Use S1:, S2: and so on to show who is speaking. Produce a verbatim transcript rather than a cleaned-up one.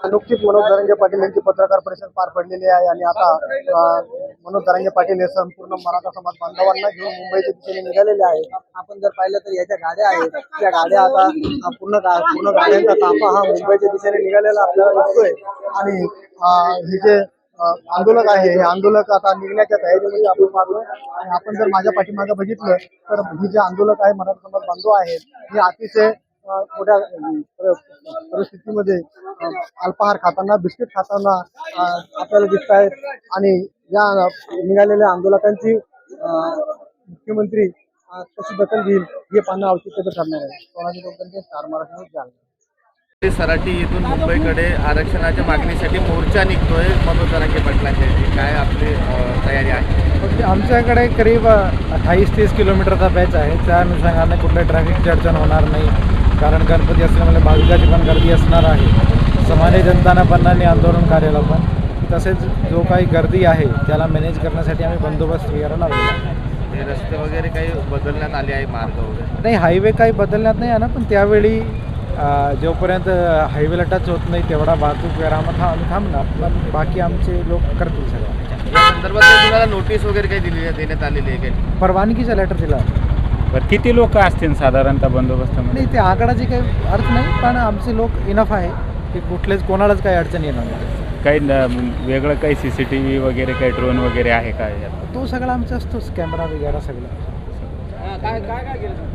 S1: नुकतीच मनोज जरांगे पाटील यांची पत्रकार परिषद पार पडलेली आहे आणि आता अ, मनोज जरांगे पाटील हे संपूर्ण मराठा समाज बांधवांना घेऊन मुंबईच्या दिशेने निघालेले आहेत. आपण जर पाहिलं तर याच्या गाड्या आहेत, त्या गाड्या आता अ, पूर्ण गा- पूर्ण गाड्यांचा ताफा हा मुंबईच्या दिशेने निघालेला आपल्याला दिसतोय आणि अ, हे जे अ, आंदोलक आहे हे आंदोलक आता निघण्याच्या तयारीमध्ये आपण पाहतोय आणि आपण जर माझ्या पाठीमागे बघितलं तर हे जे आंदोलक आहे मराठा समाज बांधव आहेत हे अतिशय अ, मोठ्या अ, परिस्थितीमध्ये अ, अल्पाहार खाताना बिस्किट खाताना अ, आपल्याला दिसत आहेत आणि या निघालेल्या आंदोलकांची अ, मुख्यमंत्री अ, कशी दखल घेईल हे पाहणं औचित्याचं ठरणार आहे. सोनाजी लोकांचे स्टार मराठी न्यूज जालना.
S2: सराटी येथून मुंबईकडे आरक्षणाच्या मागणीसाठी मोर्चा निघतोय मनोज जरांगे पाटलांच्या इथे. काय आपली अ, तयारी आहे?
S3: आमच्याकडे करीब अठ्ठावीस तीस किलोमीटरचा बॅच आहे. त्या अनुषंगाने कुठल्या ट्रॅफिकची अडचण होणार नाही, कारण गणपती असल्यामुळे भाविकाची पण गर्दी असणार आहे. सामान्य जनताना पण आणि आंदोलन कार्याला पण. तसेच जो काही गर्दी आहे त्याला मॅनेज करण्यासाठी आम्ही बंदोबस्त वगैरे लावलेला आहे.
S2: हे रस्ते वगैरे काही बदलण्यात आले आहे, मार्ग वगैरे?
S3: नाही, हायवे काही बदलण्यात नाही आहे ना, पण त्यावेळी अ, जोपर्यंत हायवेला टच होत नाही तेवढा वाहतूक विरामात हा आम्ही थांबणार, पण बाकी आमचे लोक करतील सगळं.
S2: या संदर्भात काही तुम्हाला नोटीस वगैरे काही दिली देण्यात आलेली आहे काही?
S3: परवानगीचा लेटर दिला.
S4: बरं, किती लोक असतील साधारणतः बंदोबस्तामध्ये?
S3: नाही, ते आकडाची काही अर्थ नाही, पण आमचे लोक इनफ आहे की कुठलेच कोणालाच काही अडचण येणार नाही.
S4: काही न- वेगळं काही सी सी टी व्ही वगैरे काही ड्रोन वगैरे आहे का यात?
S3: तो सगळा आमचा असतोच, कॅमेरा वगैरे सगळं.